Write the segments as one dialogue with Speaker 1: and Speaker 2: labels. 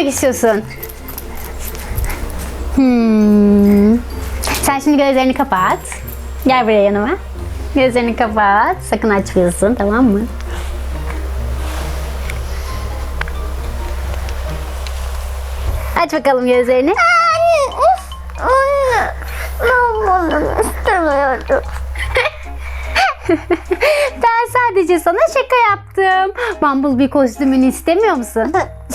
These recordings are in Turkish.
Speaker 1: istiyorsun? Sen şimdi gözlerini kapat. Gel buraya yanıma. Gözlerini kapat. Sakın açmıyorsun, tamam mı? Aç bakalım gözlerini.
Speaker 2: Anne, ben bunu istemiyorum.
Speaker 1: Ben sadece sana şaka yaptım. Bumblebee kostümünü istemiyor musun?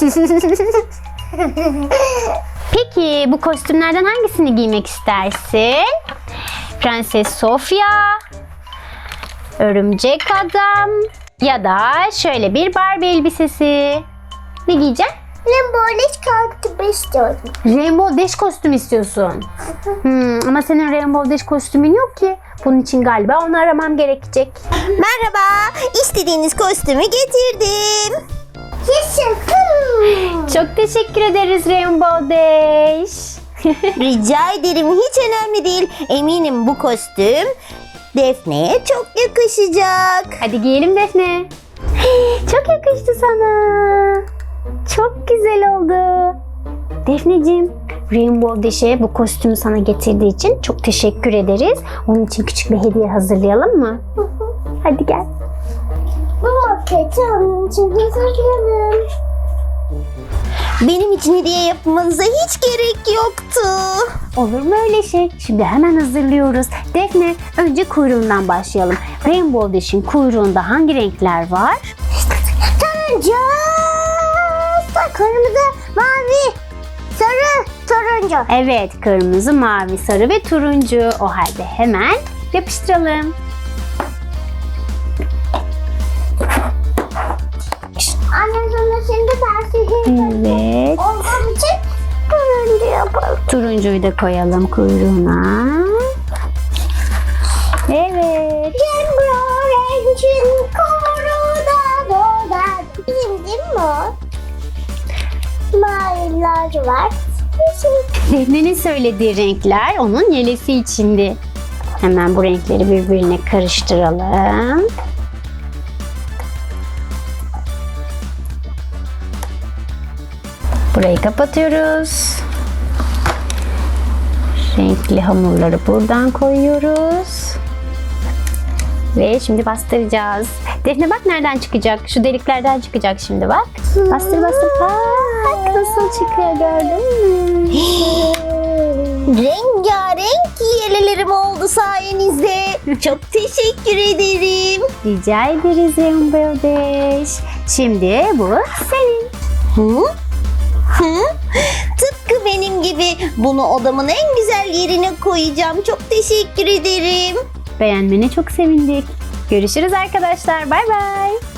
Speaker 1: Peki bu kostümlerden hangisini giymek istersin? Prenses Sofia, Örümcek Adam ya da şöyle bir Barbie elbisesi. Ne giyeceksin?
Speaker 2: Rainbow kostümü istiyorum.
Speaker 1: Rainbow Dash kostüm istiyorsun. Ama senin Rainbow Dash kostümün yok ki. Bunun için galiba onu aramam gerekecek.
Speaker 3: Merhaba, istediğiniz kostümü getirdim.
Speaker 2: Yaşasın.
Speaker 1: Çok teşekkür ederiz Rainbow Dash.
Speaker 3: Rica ederim, hiç önemli değil. Eminim bu kostüm Defne'ye çok yakışacak.
Speaker 1: Hadi giyelim Defne. Çok yakıştı sana. Çok güzel oldu. Defneciğim, Rainbow Dash'e bu kostümü sana getirdiği için çok teşekkür ederiz. Onun için küçük bir hediye hazırlayalım mı? Hadi gel.
Speaker 2: Bu roketi onun için hazırlayalım.
Speaker 3: Benim için hediye yapmanıza hiç gerek yoktu.
Speaker 1: Olur mu öyle şey? Şimdi hemen hazırlıyoruz. Defne, önce kuyruğundan başlayalım. Rainbow Dash'in kuyruğunda hangi renkler var?
Speaker 2: Turuncu, kırmızı, mavi, sarı, turuncu.
Speaker 1: Evet, kırmızı, mavi, sarı ve turuncu. O halde hemen yapıştıralım.
Speaker 2: Annem sana şimdi tersihi
Speaker 1: Evet.
Speaker 2: olduğum için turuncu yapalım.
Speaker 1: Turuncuyu da koyalım kuyruğuna. Evet.
Speaker 2: Rengarencin koruda doğar. Bizim değil mi o? Maviler var.
Speaker 1: Defne'nin söylediği renkler onun yelesi içindi. Hemen bu renkleri birbirine karıştıralım. Burayı kapatıyoruz. Renkli hamurları buradan koyuyoruz. Ve şimdi bastıracağız. Defne bak nereden çıkacak? Şu deliklerden çıkacak şimdi bak. Bastır bastır. Bak nasıl çıkıyor, gördün mü?
Speaker 3: Rengarenk yelelerim oldu sayenizde. Çok teşekkür ederim.
Speaker 1: Rica ederiz Rainbow Dash. Şimdi bu senin.
Speaker 3: Hı? Hı? Tıpkı benim gibi, bunu odamın en güzel yerine koyacağım. Çok teşekkür ederim.
Speaker 1: Beğenmene çok sevindik. Görüşürüz arkadaşlar. Bay bay.